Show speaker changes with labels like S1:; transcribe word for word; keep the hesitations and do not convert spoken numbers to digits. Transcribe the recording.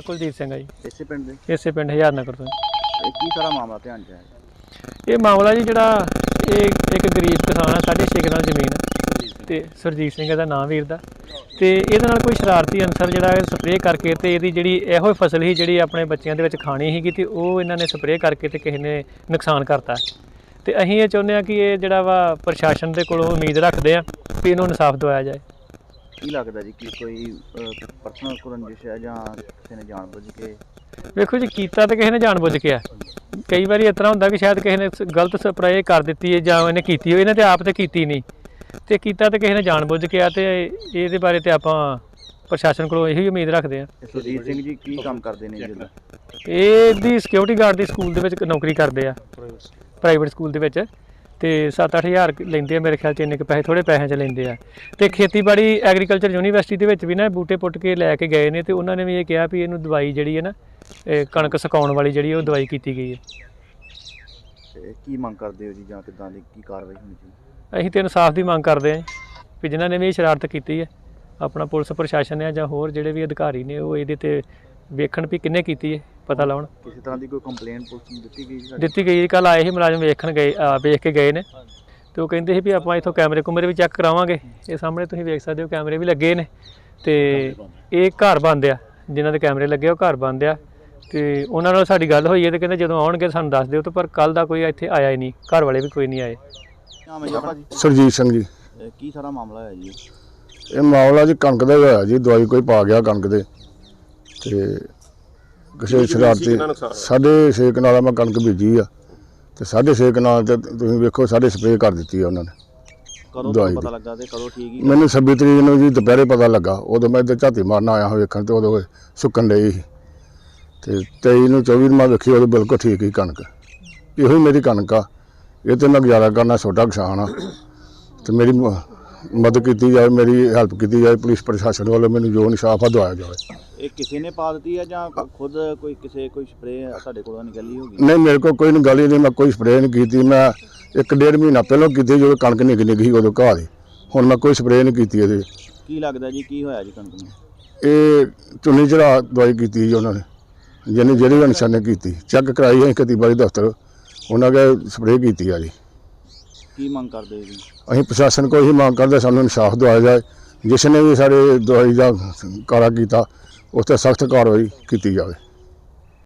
S1: ਨਾਂ ਕੁਲਦੀਪ ਸਿੰਘ ਹੈ ਜੀ।
S2: ਇਸੇ ਪਿੰਡ ਦੇ
S1: ਇਸੇ ਪਿੰਡ ਹਜ਼ਾਰ ਨਗਰ ਤੋਂ।
S2: ਇਹ ਕੀ ਸਾਰਾ ਮਾਮਲਾ ਧਿਆਨ 'ਚ ਆਇਆ?
S1: ਇਹ ਮਾਮਲਾ ਜੀ ਜਿਹੜਾ ਇਹ ਇੱਕ ਗਰੀਬ ਕਿਸਾਨ ਆ, ਸਾਢੇ ਛੇ ਕਨਾਲ ਜ਼ਮੀਨ ਤੇ ਸੁਰਜੀਤ ਸਿੰਘ ਦਾ ਨਾਂ ਵੀਰ ਦਾ, ਤੇ ਇਹਦੇ ਨਾਲ ਕੋਈ ਸ਼ਰਾਰਤੀ ਅਨਸਰ ਜਿਹੜਾ ਸਪਰੇਅ ਕਰਕੇ ਤੇ ਇਹਦੀ ਜਿਹੜੀ ਇਹੋ ਫਸਲ ਸੀ ਜਿਹੜੀ ਆਪਣੇ ਬੱਚਿਆਂ ਦੇ ਵਿੱਚ ਖਾਣੀ ਸੀਗੀ ਤੇ ਉਹ ਇਹਨਾਂ ਨੇ ਸਪਰੇਅ ਕਰਕੇ ਤੇ ਕਿਸੇ ਨੇ ਨੁਕਸਾਨ ਕਰਤਾ। ਤੇ ਅਸੀਂ ਇਹ ਚਾਹੁੰਦੇ ਹਾਂ ਕਿ ਇਹ ਜਿਹੜਾ ਵਾ ਪ੍ਰਸ਼ਾਸਨ ਦੇ ਕੋਲੋਂ ਉਮੀਦ ਰੱਖਦੇ ਆ ਕਿ ਇਹਨੂੰ ਇਨਸਾਫ ਦਿਵਾਇਆ ਜਾਏ।
S2: ਕੀ ਲੱਗਦਾ ਜੀ ਕਿ ਕੋਈ ਪਰਸਨਲ ਰੰਜਿਸ਼ ਹੈ ਜਾਂ ਕਿਸੇ ਨੇ ਜਾਣਬੁੱਝ ਕੇ?
S1: ਵੇਖੋ ਜੀ, ਕੀਤਾ ਤਾਂ ਕਿਸੇ ਨੇ ਜਾਣਬੁੱਝ ਕੇ ਆ। ਕਈ ਵਾਰੀ ਇਸ ਤਰ੍ਹਾਂ ਹੁੰਦਾ ਕਿ ਸ਼ਾਇਦ ਕਿਸੇ ਨੇ ਗਲਤ ਸਪਰੇਅ ਕਰ ਦਿੱਤੀ ਹੈ ਜਾਂ ਇਹਨੇ ਕੀਤੀ ਹੋਈ, ਇਹਨੇ ਤੇ ਆਪ ਤੇ ਕੀਤੀ ਨਹੀਂ, ਤੇ ਕੀਤਾ ਤਾਂ ਕਿਸੇ ਨੇ ਜਾਣਬੁੱਝ ਕੇ ਆ। ਤੇ ਇਹਦੇ ਬਾਰੇ ਤੇ ਆਪਾਂ ਪ੍ਰਸ਼ਾਸਨ ਕੋਲੋਂ ਇਹੀ ਉਮੀਦ ਰੱਖਦੇ ਆ।
S2: ਸੁਰਜੀਤ ਸਿੰਘ ਜੀ ਕੀ ਕੰਮ ਕਰਦੇ ਨੇ ਜੀ?
S1: ਇਹਦੀ ਸਿਕਿਉਰਿਟੀ ਗਾਰਡ ਦੀ ਸਕੂਲ ਦੇ ਵਿੱਚ ਨੌਕਰੀ ਕਰਦੇ ਆ, ਪ੍ਰਾਈਵੇਟ ਸਕੂਲ ਦੇ ਵਿੱਚ, ਤੇ ਸੱਤ ਅੱਠ ਹਜ਼ਾਰ ਲੈਂਦੇ ਆ ਮੇਰੇ ਖਿਆਲ 'ਚ। ਇੰਨੇ ਕੁ ਪੈਸੇ ਥੋੜ੍ਹੇ ਪੈਸਿਆਂ 'ਚ ਲੈਂਦੇ ਆ। ਤੇ ਖੇਤੀਬਾੜੀ ਐਗਰੀਕਲਚਰ ਯੂਨੀਵਰਸਿਟੀ ਦੇ ਵਿੱਚ ਵੀ ਨਾ ਬੂਟੇ ਪੁੱਟ ਕੇ ਲੈ ਕੇ ਗਏ ਨੇ, ਤੇ ਉਹਨਾਂ ਨੇ ਵੀ ਇਹ ਕਿਹਾ ਵੀ ਇਹਨੂੰ ਦਵਾਈ ਜਿਹੜੀ ਹੈ ਨਾ ਕਣਕ ਸੁਕਾਉਣ ਵਾਲੀ ਜਿਹੜੀ ਉਹ ਦਵਾਈ ਕੀਤੀ ਗਈ ਹੈ।
S2: ਕੀ ਮੰਗ ਕਰਦੇ ਹੋ ਜੀ, ਜਾਂ ਕਿੱਦਾਂ ਦੀ ਕੀ ਕਾਰਵਾਈ ਹੋਣੀ ਚਾਹੀਦੀ?
S1: ਅਸੀਂ ਤਾਂ ਇਨਸਾਫ ਦੀ ਮੰਗ ਕਰਦੇ ਹਾਂ ਵੀ ਜਿਨ੍ਹਾਂ ਨੇ ਵੀ ਇਹ ਸ਼ਰਾਰਤ ਕੀਤੀ ਹੈ, ਆਪਣਾ ਪੁਲਿਸ ਪ੍ਰਸ਼ਾਸਨ ਹੈ ਜਾਂ ਹੋਰ ਜਿਹੜੇ ਵੀ ਅਧਿਕਾਰੀ ਨੇ ਉਹ ਇਹਦੇ 'ਤੇ ਵੇਖਣ ਵੀ ਕਿੰਨੇ ਕੀਤੀ ਹੈ, ਪਤਾ ਲਾਉਣ।
S2: ਕਿਸੇ ਤਰ੍ਹਾਂ ਦੀ ਕੋਈ ਕੰਪਲੇਂਟ ਪੁਲਿਸ ਨੂੰ ਦਿੱਤੀ ਗਈ?
S1: ਦਿੱਤੀ ਗਈ। ਕੱਲ੍ਹ ਆਏ ਸੀ ਮੁਲਾਜ਼ਮ, ਵੇਖਣ ਗਏ, ਵੇਖ ਕੇ ਗਏ ਨੇ, ਤੇ ਉਹ ਕਹਿੰਦੇ ਸੀ ਵੀ ਆਪਾਂ ਇੱਥੋਂ ਕੈਮਰੇ ਕੁਮਰੇ ਵੀ ਚੈੱਕ ਕਰਾਵਾਂਗੇ। ਇਹ ਸਾਹਮਣੇ ਤੁਸੀਂ ਵੇਖ ਸਕਦੇ ਹੋ ਕੈਮਰੇ ਵੀ ਲੱਗੇ ਨੇ, ਤੇ ਇਹ ਘਰ ਬੰਦ ਆ, ਜਿਨ੍ਹਾਂ ਦੇ ਕੈਮਰੇ ਲੱਗੇ ਉਹ ਘਰ ਬੰਦ ਆ। ਤੇ ਉਹਨਾਂ ਨਾਲ ਸਾਡੀ ਗੱਲ ਹੋਈ ਹੈ ਤੇ ਕਹਿੰਦੇ ਜਦੋਂ ਆਉਣਗੇ ਸਾਨੂੰ ਦੱਸ ਦਿਓ। ਤੇ ਪਰ ਕੱਲ੍ਹ ਦਾ ਕੋਈ ਇੱਥੇ ਆਇਆ ਹੀ ਨਹੀਂ, ਘਰ ਵਾਲੇ ਵੀ ਕੋਈ ਨਹੀਂ ਆਏ।
S3: ਸੁਰਜੀਤ ਸਿੰਘ ਜੀ।
S2: ਕੀ ਸਾਰਾ ਮਾਮਲਾ ਹੈ ਜੀ?
S3: ਇਹ ਮਾਮਲਾ ਜੀ ਕਣਕ ਦਾ ਹੋਇਆ ਜੀ, ਦਵਾਈ ਕੋਈ ਪਾ ਗਿਆ ਕਣਕ ਦੇ, ਤੇ ਕਿਸੇ ਸ਼ਰਾਰਤੀ ਸਾਢੇ ਛੇ ਕਨਾਲਾਂ ਮੈਂ ਕਣਕ ਬੀਜੀ ਆ, ਤੇ ਸਾਢੇ ਛੇ ਕਨਾਲ ਤੇ ਤੁਸੀਂ ਵੇਖੋ ਸਾਡੇ ਸਪਰੇਅ ਕਰ ਦਿੱਤੀ ਆ ਉਹਨਾਂ ਨੇ।
S2: ਕਦੋਂ ਪਤਾ ਲੱਗਾ ਤੇ ਕਦੋਂ ਠੀਕ ਹੀ?
S3: ਮੈਨੂੰ ਛੱਬੀ ਤਰੀਕ ਨੂੰ ਜੀ ਦੁਪਹਿਰੇ ਪਤਾ ਲੱਗਾ। ਉਦੋਂ ਮੈਂ ਇੱਧਰ ਝਾਤੀ ਮਾਰਨ ਆਇਆ ਹਾਂ ਵੇਖਣ, ਤੇ ਉਦੋਂ ਸੁੱਕਣ ਡਈ ਸੀ। ਤੇ ਤੇਈ ਨੂੰ ਚੌਵੀ ਨੂੰ ਮੈਂ ਵੇਖੀ, ਉਦੋਂ ਬਿਲਕੁਲ ਠੀਕ ਹੀ ਕਣਕ। ਇਹੋ ਹੀ ਮੇਰੀ ਕਣਕ ਆ, ਇਹ ਤੇ ਮੈਂ ਗੁਜ਼ਾਰਾ ਕਰਨਾ, ਛੋਟਾ ਕਿਸਾਨ ਆ, ਤੇ ਮੇਰੀ ਮਦਦ ਕੀਤੀ ਜਾਵੇ, ਮੇਰੀ ਹੈਲਪ ਕੀਤੀ ਜਾਵੇ। ਪੁਲਿਸ ਪ੍ਰਸ਼ਾਸਨ ਵੱਲੋਂ ਮੈਨੂੰ ਜੋ ਇਨਸਾਫ ਆ ਦਵਾਇਆ ਜਾਵੇ।
S2: ਇਹ ਕਿਸੇ ਨੇ ਪਾ ਦਿੱਤੀ ਹੈ ਜਾਂ ਖੁਦ ਕੋਈ ਕਿਸੇ ਕੋਈ ਸਪਰੇਅ ਸਾਡੇ ਕੋਲੋਂ ਨਿਕਲੀ ਹੋਗੀ?
S3: ਨਹੀਂ, ਮੇਰੇ ਕੋਲ ਕੋਈ ਗੱਲ ਹੀ ਨਹੀਂ, ਮੈਂ ਕੋਈ ਸਪਰੇਅ ਨਹੀਂ ਕੀਤੀ। ਮੈਂ ਇੱਕ ਡੇਢ ਮਹੀਨਾ ਪਹਿਲਾਂ ਕੀਤੀ, ਜਦੋਂ ਕਣਕ ਨਿੱਘ ਨਿੱਘ ਸੀ ਉਦੋਂ ਘਾਹ ਦੀ। ਹੁਣ ਮੈਂ ਕੋਈ ਸਪਰੇਅ ਨਹੀਂ ਕੀਤੀ ਇਹਦੇ।
S2: ਕੀ ਲੱਗਦਾ ਜੀ ਕੀ ਹੋਇਆ ਜੀ ਕਣਕ ਨੂੰ?
S3: ਇਹ ਚੁੰਨੀ ਚੜਾ ਦਵਾਈ ਕੀਤੀ ਜੀ ਉਹਨਾਂ ਨੇ, ਜਿਹਨੇ ਜਿਹੜੀ ਅਨਸਰ ਨੇ ਕੀਤੀ। ਚੈੱਕ ਕਰਾਈ ਅਸੀਂ ਖੇਤੀਬਾੜੀ ਦਫ਼ਤਰ, ਉਹਨਾਂ ਨੇ ਸਪਰੇਅ ਕੀਤੀ ਆ ਜੀ।
S2: ਕੀ ਮੰਗ ਕਰਦੇ ਜੀ?
S3: ਅਸੀਂ ਪ੍ਰਸ਼ਾਸਨ ਕੋਲ ਇਹੀ ਮੰਗ ਕਰਦੇ, ਸਾਨੂੰ ਇਨਸਾਫ ਦਿਵਾਇਆ ਜਾਏ। ਜਿਸ ਨੇ ਵੀ ਸਾਡੇ ਦਵਾਈ ਦਾ ਕਾਰਾ ਕੀਤਾ ਉਸ 'ਤੇ ਸਖਤ ਕਾਰਵਾਈ ਕੀਤੀ ਜਾਵੇ।